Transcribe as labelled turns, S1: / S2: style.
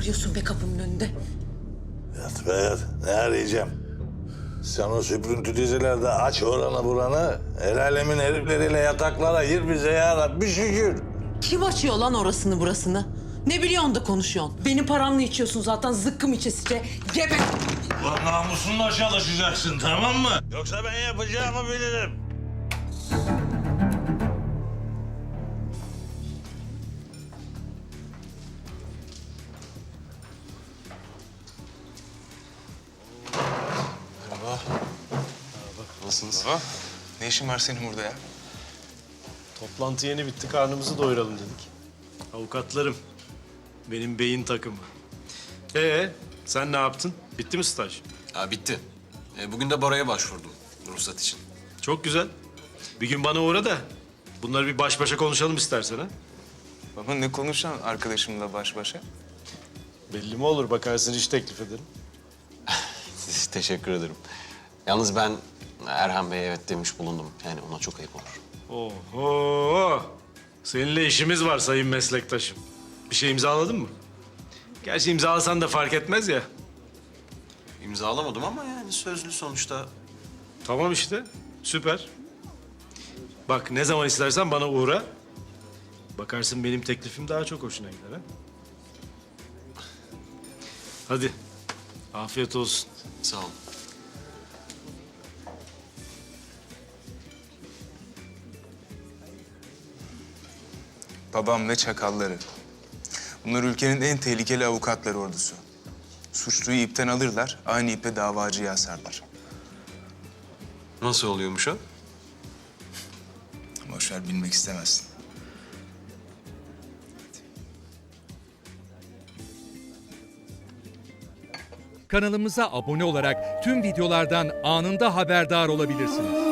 S1: arıyorsun be kapımın önünde?
S2: Yat be yat. Ne arayacağım? Sen o süprüntü dizilerde aç oranı buranı. El alemin herifleriyle yataklara gir bize ya Rabbi şükür.
S1: Kim açıyor lan orasını burasını? Ne biliyorsun da konuşuyorsun? Benim paramla içiyorsun zaten zıkkım içesice. Gebe!
S2: Lan namusunla çalışacaksın tamam mı? Yoksa ben yapacağımı bilirim.
S3: Nasılsınız?
S4: Baba, ne işin var senin burada ya?
S5: Toplantı yeni bitti, karnımızı doyuralım dedik. Avukatlarım, benim beyin takımı. Sen ne yaptın? Bitti mi staj?
S3: Ha, bitti. Bugün de Bora'ya başvurdum ruhsat için.
S5: Çok güzel. Bir gün bana uğra da bunları bir baş başa konuşalım istersen ha.
S4: Baba ne konuşan arkadaşımla baş başa?
S5: Belli mi olur, bakarsın iş teklif ederim.
S3: Teşekkür ederim. Yalnız ben Erhan Bey'e evet demiş bulundum. Yani ona çok ayıp olur.
S5: Oho! Seninle işimiz var sayın meslektaşım. Bir şey imzaladın mı? Gerçi imzalasan da fark etmez ya.
S3: İmzalamadım ama yani sözlü sonuçta.
S5: Tamam işte, süper. Bak ne zaman istersen bana uğra. Bakarsın benim teklifim daha çok hoşuna gider ha. Hadi, afiyet olsun.
S3: Sağ olun.
S4: Babam ve çakalları. Bunlar ülkenin en tehlikeli avukatları ordusu. Suçluyu ipten alırlar, aynı ipe davacıyı asarlar.
S3: Nasıl oluyormuş o?
S4: Boş ver, bilmek istemezsin.
S6: Kanalımıza abone olarak tüm videolardan anında haberdar olabilirsiniz.